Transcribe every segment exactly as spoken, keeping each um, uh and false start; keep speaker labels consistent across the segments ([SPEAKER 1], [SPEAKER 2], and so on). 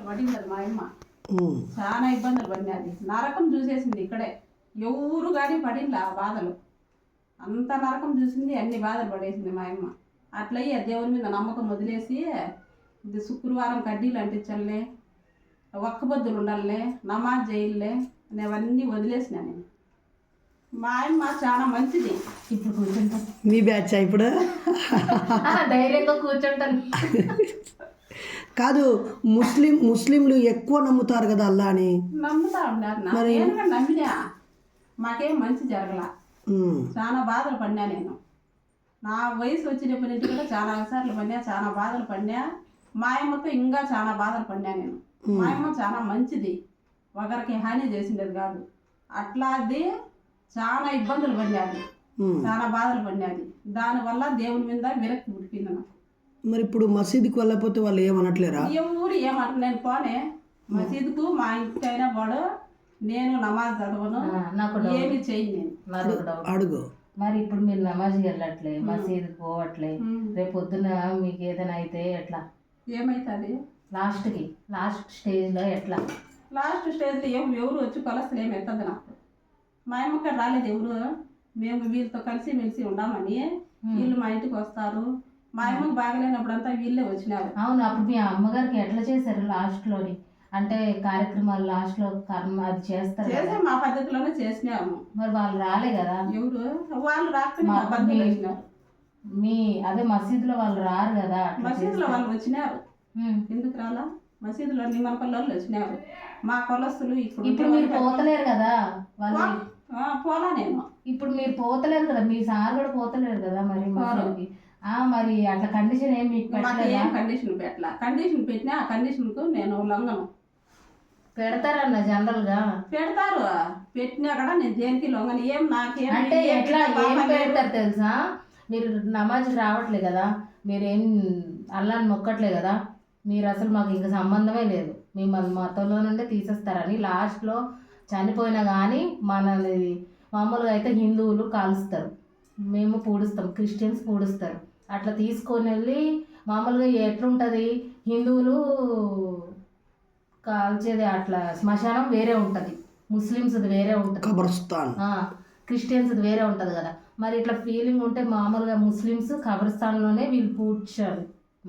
[SPEAKER 1] పడింది మా అమ్మ. చాలా ఇబ్బందులు పడినది. నరకం చూసేసింది ఇక్కడే. ఎవరు కానీ పడింది ఆ బాధలు. అంత నరకం చూసింది, అన్ని బాధలు పడేసింది మా అమ్మ. అట్లయ్యి దేవుని మీద నమ్మకం వదిలేసి ఇది శుక్రవారం కడ్డీలు అంటించలే, ఒక్క బొద్దులు ఉండాలే, నమాజ్ చేయాలే అనేవన్నీ వదిలేసిన నేను. మా అమ్మ చాలా మంచిది.
[SPEAKER 2] ఇప్పుడు కూర్చుంటాం.
[SPEAKER 3] మీ బ్యాచ్ ఇప్పుడు
[SPEAKER 2] ధైర్యంగా కూర్చుంటాను.
[SPEAKER 3] కాదు, ముస్లిం ముస్లింలు ఎక్కువ నమ్ముతారు కదా అల్లా అని.
[SPEAKER 1] నమ్ముతా ఉన్నారు. నేను నమ్మినా మాకేం మంచి జరగల. చాలా బాధలు పడినా నేను. నా వయసు వచ్చినప్పటి నుంచి కూడా చాలా అవసరాలు పడినా, చాలా బాధలు పడినా. మా అమ్మతో ఇంకా చాలా బాధలు పడినా నేను. మా అమ్మ చాలా మంచిది, ఒకరికి హాని చేసిండేది కాదు. అట్లా అది చాలా ఇబ్బందులు పడినది, చాలా బాధలు పడినది. దానివల్ల దేవుని మీద విరక్తి పుట్టింది నాకు.
[SPEAKER 3] మరి ఇప్పుడు మసీదుకి వెళ్ళకపోతే వాళ్ళు ఏమనట్లేరా?
[SPEAKER 1] ఎవరు ఏమంటారు? నేను పోనే మసీదుకు, మా ఇంటికైనా వాడు నేను నమాజ్ చదవను,
[SPEAKER 2] నాకు
[SPEAKER 1] ఏమి చేయను నేను.
[SPEAKER 3] అడుగు.
[SPEAKER 2] మరి ఇప్పుడు మీరు నమాజ్కి వెళ్ళట్లే, మసీదుకి పోవట్లే, రేపు పొద్దున మీకు ఏదైనా అయితే ఎట్లా?
[SPEAKER 1] ఏమైతుంది
[SPEAKER 2] లాస్ట్కి లాస్ట్ స్టేజ్లో ఎట్లా?
[SPEAKER 1] లాస్ట్ స్టేజ్లో ఏం ఎవరు వచ్చి కొలస్తలు ఏమి ఎత్తదు నాకు. మా అమ్మక్కడ రాలేదు ఎవరు. మేము వీళ్ళతో కలిసి మెలిసి ఉండామని వీళ్ళు మా ఇంటికి వస్తారు. మా అమ్మకి బాగలేనప్పుడంతా వీళ్ళే వచ్చినారు.
[SPEAKER 2] అవును, అప్పుడు మీ అమ్మగారికి ఎట్లా చేశారు లాస్ట్లోని? అంటే కార్యక్రమాలు లాస్ట్లో కర్మ అది చేస్తారు
[SPEAKER 1] చేసే మా పద్ధతిలోనే చేసినాము.
[SPEAKER 2] మరి వాళ్ళు రాలే కదా?
[SPEAKER 1] ఎవరు వాళ్ళు రాకపోయినా
[SPEAKER 2] మీ అదే మసీదులో వాళ్ళు రారు కదా?
[SPEAKER 1] మసీదులో వాళ్ళు వచ్చినారు. ఎందుకు రాలా? మసీదులో నిమ్మపల్లి వచ్చినారు. మా కొలస్తులు ఇప్పుడు
[SPEAKER 2] ఇప్పుడు మీరు పోతలేరు కదా వాళ్ళు?
[SPEAKER 1] పోలా నేను.
[SPEAKER 2] ఇప్పుడు మీరు పోతలేరు కదా, మీ సార్ కూడా పోతలేరు కదా మరి మసీదుకి. మరి అట్లా కండిషన్ ఏం మీకు
[SPEAKER 1] ఏం కండిషన్ పెట్టలా. కండిషన్ పెట్టినా ఆ కండిషన్కు నేను లొంగను.
[SPEAKER 2] పెడతారన్న జనరల్ గా
[SPEAKER 1] పెడతారు, పెట్టినా కూడా నేను దేనికి లొంగను. ఏం నాకేం
[SPEAKER 2] అంటే ఎట్లా ఏం పెడతారు తెలుసా? మీరు నమాజ్ రావట్లే కదా, మీరేం అల్లాని మొక్కట్లే కదా, మీరు అసలు మాకు ఇంకా సంబంధమే లేదు, మిమ్మల్ని మతంలో నుండే తీసేస్తారని లాస్ట్లో చనిపోయినా కానీ మనది మామూలుగా అయితే హిందువులు కాలుస్తారు, మేము పూడుస్తాం, క్రిస్టియన్స్ పూడుస్తారు. అట్లా తీసుకొని వెళ్ళి మామూలుగా ఎట్లుంటుంది, హిందువులు కాల్చేది అట్లా శ్మశానం వేరే ఉంటుంది, ముస్లిమ్స్ది వేరే ఉంటుంది, క్రిస్టియన్స్ది వేరే ఉంటుంది కదా. మరి ఇట్లా ఫీలింగ్ ఉంటే మామూలుగా ముస్లిమ్స్ కబ్రస్థాన్లోనే వీళ్ళు పూడ్చారు.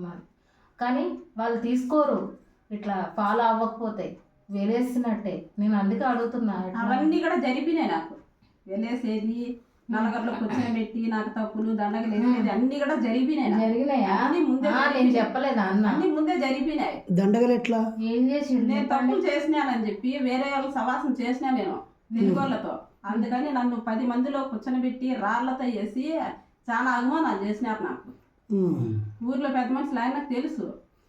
[SPEAKER 2] కానీ వాళ్ళు తీసుకోరు, ఇట్లా ఫాలో అవ్వకపోతే వెలేసినట్టే. నేను అందుకే అడుగుతున్నా.
[SPEAKER 1] అవన్నీ కూడా జరిపినాయి నాకు. వెలేసేది, నలగట్లో కూర్చోబెట్టి నాకు తప్పులు దండగలు వేసేది అన్ని కూడా జరిపినాయి.
[SPEAKER 2] జరిగినాయా? నేను చెప్పలేదా అన్న?
[SPEAKER 1] అన్ని ముందే జరిపినాయి.
[SPEAKER 3] దండగలు ఎట్లా?
[SPEAKER 2] ఏం చేసి
[SPEAKER 1] నేను తప్పులు చేసినానని చెప్పి వేరే వాళ్ళు సవాసం చేసినా నేను తెలుగోళ్ళతో. అందుకని నన్ను పది మందిలో కూర్చొని రాళ్లతో వేసి చాలా అవమానాలు చేసినారు నాకు. ఊర్లో పెద్ద మనుషులు ఆయనకు తెలుసు,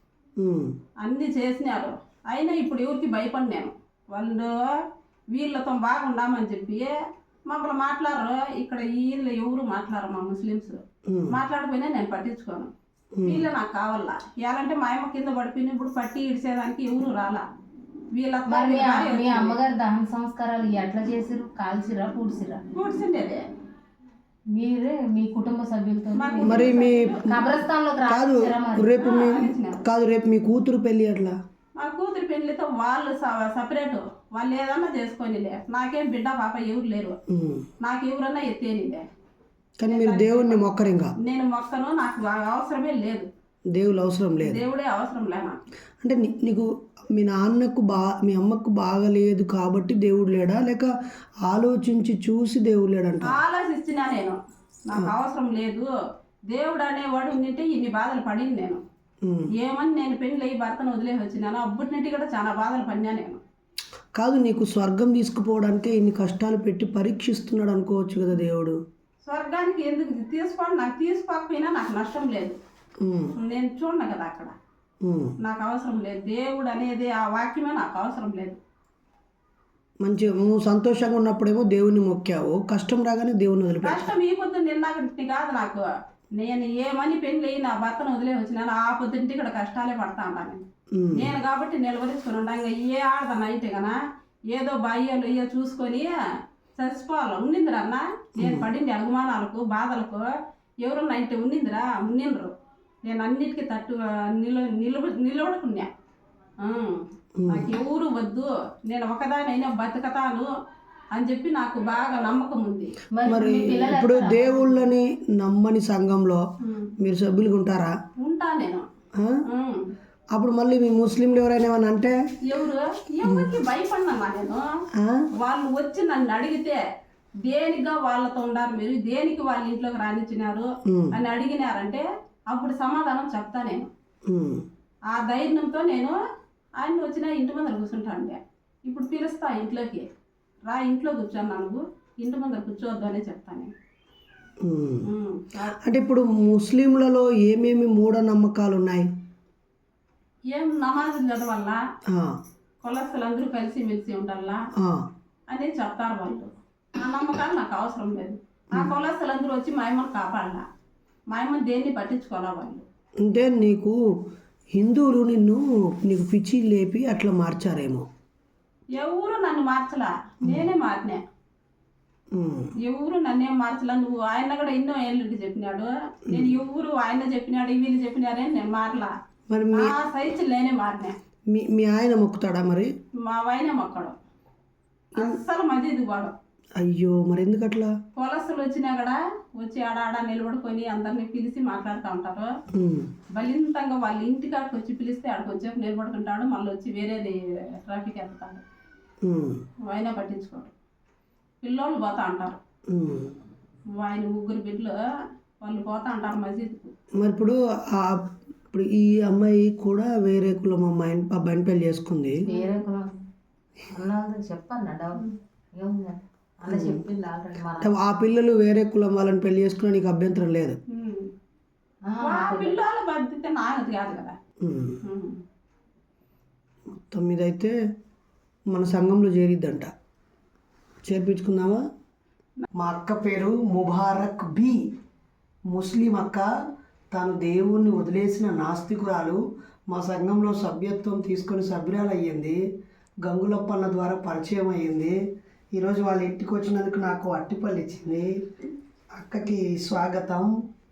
[SPEAKER 1] అన్ని చేసినారు. అయినా ఇప్పుడు ఎవరికి భయపడినాను. వాళ్ళు వీళ్ళతో బాగుండామని చెప్పి మమ్మల్ని మాట్లాడరు. ఇక్కడ వీళ్ళు ఎవరు మాట్లాడరు, మా ముస్లిమ్స్ మాట్లాడిపోయినా నేను పట్టించుకోను. వీళ్ళు నాకు కావాలా. ఎలాంటే మా అమ్మ కింద పడిపోయిన ఇప్పుడు పట్టి ఇడిసేదానికి ఎవరు రాలా. వీళ్ళ
[SPEAKER 2] మీ అమ్మగారు దహన సంస్కారాలు ఎట్లా చేసిరు? కాల్చిరా, పూడ్చిరా?
[SPEAKER 1] పూడ్చిండేదే
[SPEAKER 2] మీరే మీ కుటుంబ సభ్యులతో.
[SPEAKER 3] మరి మీ
[SPEAKER 2] కబ్రస్థాన్లోకి
[SPEAKER 3] కాదు రేపు మీ కాదు రేపు మీ కూతురు పెళ్ళి అట్లా?
[SPEAKER 1] మా కూతురు పెళ్లితో వాళ్ళు సపరేట్, వాళ్ళు ఏదన్నా చేసుకోనిలే. నాకేం బిడ్డ పాప ఎవరు లేరు, నాకు ఎవరన్నా ఎత్తేనిలే.
[SPEAKER 3] కానీ మీరు దేవుడిని మొక్కరు? ఇంకా
[SPEAKER 1] నేను మొక్కను, నాకు అవసరమే లేదు.
[SPEAKER 3] దేవుడు అవసరం లేదు,
[SPEAKER 1] దేవుడే అవసరం లేనా.
[SPEAKER 3] అంటే నీకు మీ నాన్నకు బా మీ అమ్మకు బాగలేదు కాబట్టి దేవుడు లేడా, లేక ఆలోచించి చూసి దేవుడు లేడంట?
[SPEAKER 1] ఆలోచించినా నేను, నాకు అవసరం లేదు దేవుడు అనేవాడు ఉండింటే ఇన్ని బాధలు పడింది నేను. ఏమని నేను పెళ్ళి అయ్యి భర్తను వదిలేసి వచ్చినాను, అప్పటి నుండి కూడా చాలా బాధలు పడినా నేను.
[SPEAKER 3] కాదు, నీకు స్వర్గం తీసుకుపోవడానికి ఇన్ని కష్టాలు పెట్టి పరీక్షిస్తున్నాడు అనుకోవచ్చు కదా దేవుడు.
[SPEAKER 1] స్వర్గానికి ఎందుకు తీసుకోండి, నాకు తీసుకోకపోయినా నాకు నష్టం లేదు. నేను చూడను కదా అక్కడ, నాకు అవసరం లేదు. దేవుడు అనేది ఆ వాక్యమే నాకు అవసరం లేదు.
[SPEAKER 3] మంచిగా నువ్వు సంతోషంగా ఉన్నప్పుడేమో దేవుని మొక్కావు, కష్టం రాగానే దేవుని వదిలిపెట్టావు.
[SPEAKER 1] కష్టం ఈ పొద్దు నిన్న కాదు నాకు. నేను ఏమని పెళ్ళి నా భర్తను వదిలే వచ్చినాను, ఆ పొద్దుంటి ఇక్కడ కష్టాలే పడతా ఉంటాను నేను. కాబట్టి నిలబడించుకుని ఉంటాను. ఇంకా ఏ ఆడదాన్ని అయితే కన్నా ఏదో బాయ్యాలు ఇయ్యో చూసుకొని చచ్చిపోవాలి ఉండిందిరా అన్న. నేను పడింది అవమానాలకు బాధలకు ఎవరన్నా అయితే ఉండిందిరా, ఉండిండ్రు. నేను అన్నిటికీ తట్టు నిల నిలబ నిలబడుకున్నా. ఉమ్. నాకు ఎవరు వద్దు, నేను ఒకదానైనా బతుకతాను అని చెప్పి నాకు బాగా నమ్మకం ఉంది.
[SPEAKER 2] మరి
[SPEAKER 3] మరి
[SPEAKER 2] మీ పిల్లలు
[SPEAKER 3] ఇప్పుడు దేవుళ్ళని నమ్మని సంఘంలో
[SPEAKER 1] ఉమ్.
[SPEAKER 3] మీరు సభ్యులుగా ఉంటారా?
[SPEAKER 1] ఉంటా నేను.
[SPEAKER 3] ఆ?
[SPEAKER 1] ఉమ్.
[SPEAKER 3] అప్పుడు మళ్ళీ మీ ముస్లింలు ఎవరైనా ఏమైనా అంటే
[SPEAKER 1] ఎవరు ఎవరికి భయపడినమ్మా నేను.
[SPEAKER 3] ఆ?
[SPEAKER 1] వాళ్ళు వచ్చి నన్ను అడిగితే దేనిగా వాళ్ళతో ఉండారు మీరు, దేనికి వాళ్ళ ఇంట్లోకి రానిచ్చినారు
[SPEAKER 3] ఉమ్,
[SPEAKER 1] అని అడిగినారంటే అప్పుడు సమాధానం చెప్తా నేను.
[SPEAKER 3] ఉమ్,
[SPEAKER 1] ఆ ధైర్యంతో నేను ఆయన వచ్చిన ఇంటి ముందర కూర్చుంటాను. ఇప్పుడు పిలుస్తా ఇంట్లోకి, రా ఇంట్లో కూర్చోన్నా, నువ్వు ఇంటి ముందర కూర్చోవద్దు అనే చెప్తాను నేను.
[SPEAKER 3] ఉమ్.
[SPEAKER 1] ఉమ్.
[SPEAKER 3] అంటే ఇప్పుడు ముస్లింలలో ఏమేమి మూఢనమ్మకాలు ఉన్నాయి?
[SPEAKER 1] ఏం నమాజులు చదవాలా,
[SPEAKER 3] ఆ,
[SPEAKER 1] కులస్తులు అందరూ కలిసి మెలిసి ఉండాలా
[SPEAKER 3] ఆ,
[SPEAKER 1] అని చెప్తారు వాళ్ళు. ఆ నమ్మకాలు నాకు అవసరం లేదు. ఆ కులస్తులు అందరూ వచ్చి మా అమ్మని కాపాడాల, మా అమ్మని దేన్ని పట్టించుకోవాలా వాళ్ళు.
[SPEAKER 3] అంటే నీకు హిందువులు నిన్ను నీకు పిచ్చి లేపి అట్లా మార్చారేమో.
[SPEAKER 1] ఎవరు నన్ను మార్చలా, నేనే మారినా.
[SPEAKER 3] ఉమ్,
[SPEAKER 1] ఎవరు నన్నేం మార్చలా. నువ్వు ఆయన కూడా ఎన్నో ఏళ్ళకి చెప్పినాడు, నేను ఎవరు ఆయన చెప్పినాడు వీళ్ళు చెప్పినారే నేను మారలా.
[SPEAKER 3] మరి మీ
[SPEAKER 1] ఆ సైజు నేనే మారినా.
[SPEAKER 3] మీ మీ ఆయన మొక్కుతాడా మరి?
[SPEAKER 1] మా వైన మొక్కడు అస్సలు మధ్యది వాడు.
[SPEAKER 3] అయ్యో, మరి ఎందుకు అట్లా?
[SPEAKER 1] కులస్తులు వచ్చినా కూడా వచ్చి ఆడ ఆడ నిలబడుకొని అందరిని పిలిచి మాట్లాడుతూ ఉంటారు.
[SPEAKER 3] ఉమ్,
[SPEAKER 1] బలింతంగా వాళ్ళ ఇంటికాడికి వచ్చి పిలిస్తే ఆడికి వచ్చేపు నిలబడుకుంటాడు, మళ్ళీ వచ్చి వేరేది ట్రాఫిక్ వెళ్తాడు.
[SPEAKER 3] ఉమ్,
[SPEAKER 1] ఆయన పట్టించుకోడు. పిల్లోళ్ళు పోతా అంటారు,
[SPEAKER 3] ఉమ్.
[SPEAKER 1] ఆయన ముగ్గురు బిడ్డలు వాళ్ళు పోతా అంటారు మసీదుకు.
[SPEAKER 3] మరి ఇప్పుడు ఆ ఇప్పుడు ఈ అమ్మాయి కూడా వేరే కులం అమ్మాయి అబ్బాయిని పెళ్లి చేసుకుంది.
[SPEAKER 2] వేరే కులం అన్నది చెప్పన్నా డౌట్ ఏముంది అలా చెప్పింది ఆల్రెడీ మన
[SPEAKER 3] అంటే ఆ పిల్లలు వేరే కులం వాళ్ళని పెళ్లి చేసుకున్నా నీకు అభ్యంతరం లేదు.
[SPEAKER 1] ఉమ్.
[SPEAKER 2] ఆ,
[SPEAKER 1] ఆ పిల్లల బాధ్యత నాది కాదు కదా.
[SPEAKER 3] ఉమ్.
[SPEAKER 1] ఉమ్.
[SPEAKER 3] మొత్తం మీద అయితే మన సంఘంలో చేరిద్దంట. చేర్పించుకుందామా? మా అక్క పేరు ముబారక్ బి. ముస్లిం అక్క. తాను దేవుణ్ణి వదిలేసిన నాస్తికురాలు. మా సంఘంలో సభ్యత్వం తీసుకొని సభ్యురాలు అయ్యింది. గంగులప్పన్న ద్వారా పరిచయం అయ్యింది. ఈరోజు వాళ్ళ ఇంటికి వచ్చినందుకు నాకు అట్టిపళ్ళు ఇచ్చింది. అక్కకి స్వాగతం.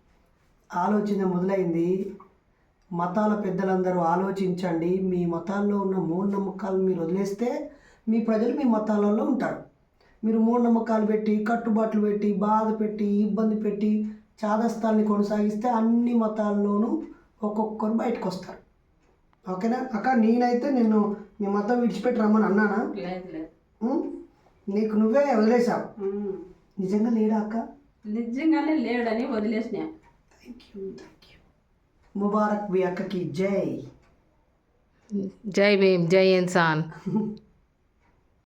[SPEAKER 3] ఆలోచన మొదలైంది. మతాల పెద్దలందరూ ఆలోచించండి. మీ మతాల్లో ఉన్న మూఢనమ్మకాలు మీరు వదిలేస్తే మీ ప్రజలు మీ మతాలలో ఉంటారు. మీరు మూఢనమ్మకాలు పెట్టి కట్టుబాట్లు పెట్టి బాధ పెట్టి ఇబ్బంది పెట్టి చాదస్తాల్ని కొనసాగిస్తే అన్ని మతాల్లోనూ ఒక్కొక్కరు బయటకు వస్తారు. ఓకేనా అక్క? నేనైతే నిన్ను మీ మతం విడిచిపెట్టి రమ్మని అన్నానా?
[SPEAKER 1] లేదు లేదు.
[SPEAKER 3] ఉం? నీకు నువ్వే వదిలేసావు.
[SPEAKER 1] ఉమ్.
[SPEAKER 3] నిజంగా లేడా అక్క?
[SPEAKER 1] నిజంగానే లేడని వదిలేసిన.
[SPEAKER 3] Thank you thank you. ముబారక్ బి అక్కకి జై.
[SPEAKER 2] జై భీమ్ జై ఇన్సాన్.